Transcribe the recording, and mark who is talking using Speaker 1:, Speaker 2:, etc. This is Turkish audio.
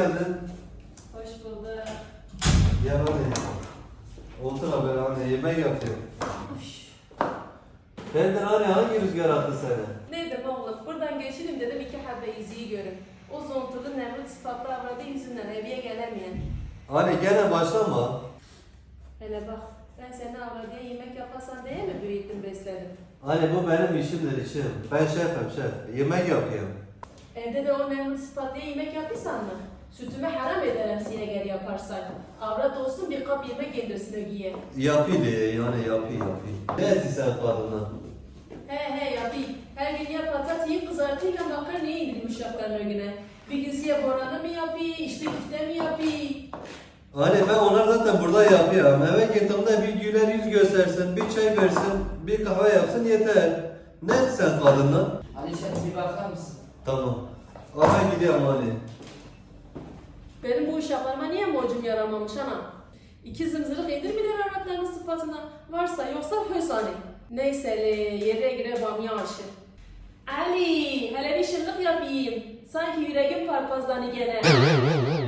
Speaker 1: geldin.
Speaker 2: Hoş bulduk.
Speaker 1: Gel hadi. Otur haber anne, yemek yapıyorum. Ben de hani hangi rüzgar attı seni?
Speaker 2: Neydi oğlum? Buradan geçelim dedim iki habbe yüzüğü görün. O zontulu Nemrut sıfatlı avradı yüzünden evye gelemeyen.
Speaker 1: Hani gene başlama.
Speaker 2: Hele bak, ben seni avradıya yemek yaparsan diye mi büyüttüm besledim?
Speaker 1: Hani bu benim işimdir işim. Ben şefim şef. Yemek yapıyorum.
Speaker 2: Evde de o Nemrut sıfatlıya yemek yapıysan mı? Sütümü haram ederim size gel yaparsan. Avrat olsun bir kap yemek yedirsin ögiye.
Speaker 1: Yapıydı yani yapıyı. Ne etsin sen kadına?
Speaker 2: He yapayım. Her gün ya patat yiyip kızartıyla makarnayı indireyim uşakların önüne. Bir gün size boranı mı yapayım, işte küfte mi yapayım?
Speaker 1: Hani ben onlar zaten burada yapıyorum. Eve gittiğimde bir güler yüz göstersin, bir çay versin, bir kahve yapsın yeter. Ne etsin sen kadına?
Speaker 3: Alişan bir bakar mısın?
Speaker 1: Tamam. Ben gidiyorum hani.
Speaker 2: Benim bu uşaklarıma niye borcum yaramamış ana? İki zımzırık indirmiler avratlarının sıfatına. Varsa yoksa hösani. Neyse yere gire bamya aşı. Ali, hele bir şırlık yapayım. Sanki yüreğim parpazlanı gene.